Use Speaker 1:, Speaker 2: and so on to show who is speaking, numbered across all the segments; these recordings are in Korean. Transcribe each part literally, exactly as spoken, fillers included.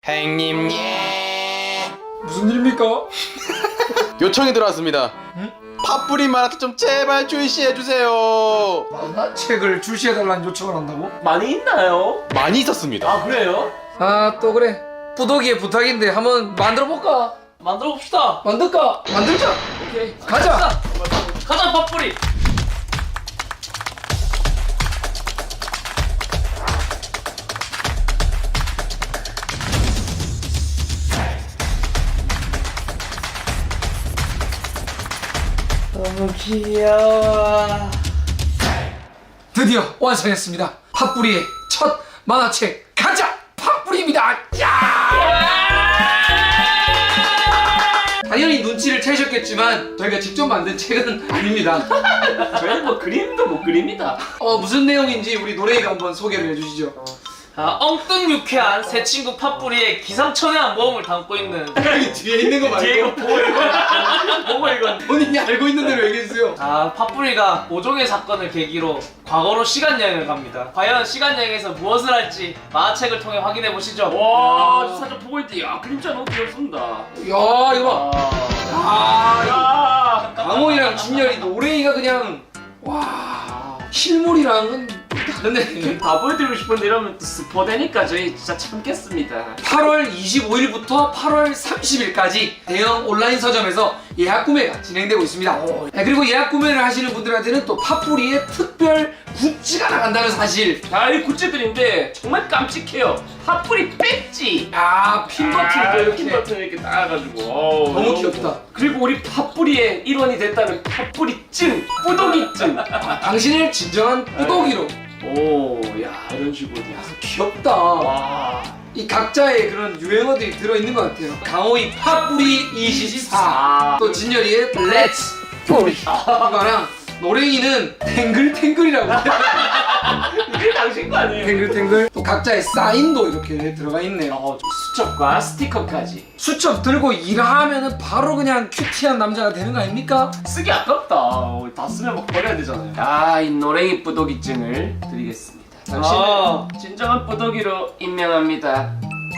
Speaker 1: 행님 예.
Speaker 2: 무슨 일입니까?
Speaker 1: 요청이 들어왔습니다.
Speaker 2: 응?
Speaker 1: 팥뿌리 만화책 좀 제발 출시해주세요.
Speaker 2: 만화책을 출시해달라는 요청을 한다고?
Speaker 3: 많이 있나요?
Speaker 1: 많이 있었습니다.
Speaker 3: 아 그래요?
Speaker 2: 아 또 그래 뿌독이의 부탁인데 한번 만들어볼까?
Speaker 3: 만들어 봅시다.
Speaker 2: 만들까? 만들자.
Speaker 3: 오케이.
Speaker 2: 가자.
Speaker 3: 가자 팥뿌리. 너무 귀여워.
Speaker 2: 드디어 완성했습니다. 팥뿌리의 첫 만화책 가자 팥뿌리입니다. 당연히 눈치를 채셨겠지만 저희가 직접 만든 책은 아닙니다.
Speaker 3: 저희는 뭐 그림도 못 그립니다.
Speaker 2: 어 무슨 내용인지 우리 노래이가 한번 소개를 해주시죠.
Speaker 3: 아, 엉뚱 유쾌한 새 친구 팥뿌리의 기상천외한 모험을 담고 있는
Speaker 2: 여기 뒤에 있는 거
Speaker 3: 뒤에 이거
Speaker 2: 말고
Speaker 3: 보고 이건 보고 이건
Speaker 2: 본인이 알고 있는 대로 얘기해주세요.
Speaker 3: 아, 팥뿌리가 모종의 사건을 계기로 과거로 시간여행을 갑니다. 과연 시간여행에서 무엇을 할지 만화책을 통해 확인해 보시죠.
Speaker 4: 와, 저 사진 보고 있대. 야, 그림자 너무 귀엽습니다.
Speaker 2: 야 이거 봐. 아
Speaker 4: 아,
Speaker 2: 강호이랑 진열이 노래이가 그냥 와 실물이랑은 다르네.
Speaker 4: 다 보여드리고 싶은데 이러면 또 스포되니까 저희 진짜 참겠습니다.
Speaker 2: 팔월 이십오일부터 팔월 삼십일까지 대형 온라인 서점에서 예약 구매가 진행되고 있습니다. 네, 그리고 예약 구매를 하시는 분들한테는 또 팥뿌리의 특별 굿즈가 나간다는 사실.
Speaker 4: 자, 이 굿즈들인데 정말 깜찍해요. 팥뿌리 배지.
Speaker 2: 아 핀 버튼도 이렇게.
Speaker 4: 핀 버튼 이렇게 따가지고. 어우,
Speaker 2: 너무 귀엽다.
Speaker 4: 그리고 우리 팥뿌리의 일원이 됐다는 팥뿌리 찐, 뿌독이 찐.
Speaker 2: 당신을 진정한 뿌독이로.
Speaker 4: 오, 야, 이런 식으로.
Speaker 2: 귀엽다.
Speaker 4: 와.
Speaker 2: 이 각자의 그런 유행어들이 들어있는 것 같아요. 강호이 팥뿌리 이십사, 또 진열이의 렛츠 뿌리 이거랑 노랭이는 탱글탱글이라고.
Speaker 4: 이게 당신 거 아니에요?
Speaker 2: 탱글탱글. 또 각자의 사인도 이렇게 들어가 있네요.
Speaker 4: 어, 수첩과 스티커까지.
Speaker 2: 수첩 들고 일하면은 바로 그냥 큐티한 남자가 되는 거 아닙니까?
Speaker 4: 쓰기 아깝다. 어, 다 쓰면 막 버려야 되잖아요. 아, 이 노랭이 뿌독이증을 드리겠습니다. 당신은
Speaker 3: 아.
Speaker 4: 진정한 뿌독이로 임명합니다.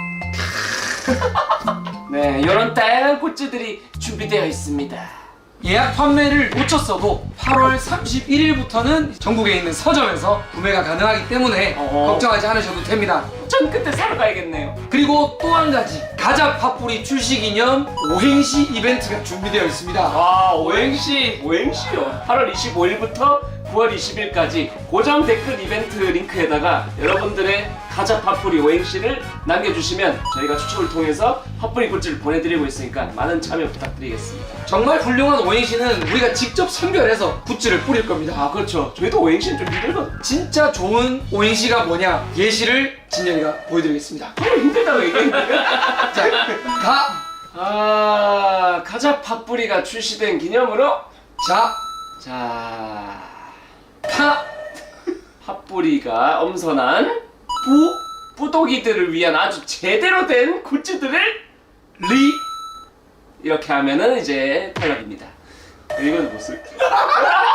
Speaker 4: 네, 이런 다양한 굿즈들이 준비되어 있습니다.
Speaker 2: 예약 판매를 놓쳤어도 팔월 삼십일일부터는 전국에 있는 서점에서 구매가 가능하기 때문에
Speaker 4: 어허.
Speaker 2: 걱정하지 않으셔도 됩니다.
Speaker 4: 전 그때 사러 가야겠네요.
Speaker 2: 그리고 또 한 가지 가자 팥뿌리 출시 기념 오행시 이벤트가 준비되어 있습니다.
Speaker 4: 와, 오행시, 오행시요. 팔월 이십오일부터 구월 이십일까지 고정 댓글 이벤트 링크에다가 여러분들의 가자 팥뿌리 오행시를 남겨주시면 저희가 추첨을 통해서 팥뿌리 굿즈를 보내드리고 있으니까 많은 참여 부탁드리겠습니다.
Speaker 2: 정말 훌륭한 오행시는 우리가 직접 선별해서 굿즈를 뿌릴 겁니다.
Speaker 4: 아, 그렇죠. 저희도 오행시는 좀 힘들거든요.
Speaker 2: 진짜 좋은 오행시가 뭐냐 예시를 진열이가 보여드리겠습니다.
Speaker 4: 너무 힘들다고 얘기했는데.
Speaker 2: 자, 가,
Speaker 4: 아, 가자 팥뿌리가 출시된 기념으로
Speaker 2: 자,
Speaker 4: 자,
Speaker 2: 파,
Speaker 4: 팥뿌리가 엄선한
Speaker 2: 부,
Speaker 4: 뿌독이들을 위한 아주 제대로 된 굿즈들을
Speaker 2: 리,
Speaker 4: 이렇게 하면은 이제 탈락입니다. 이건 못 쓸게요.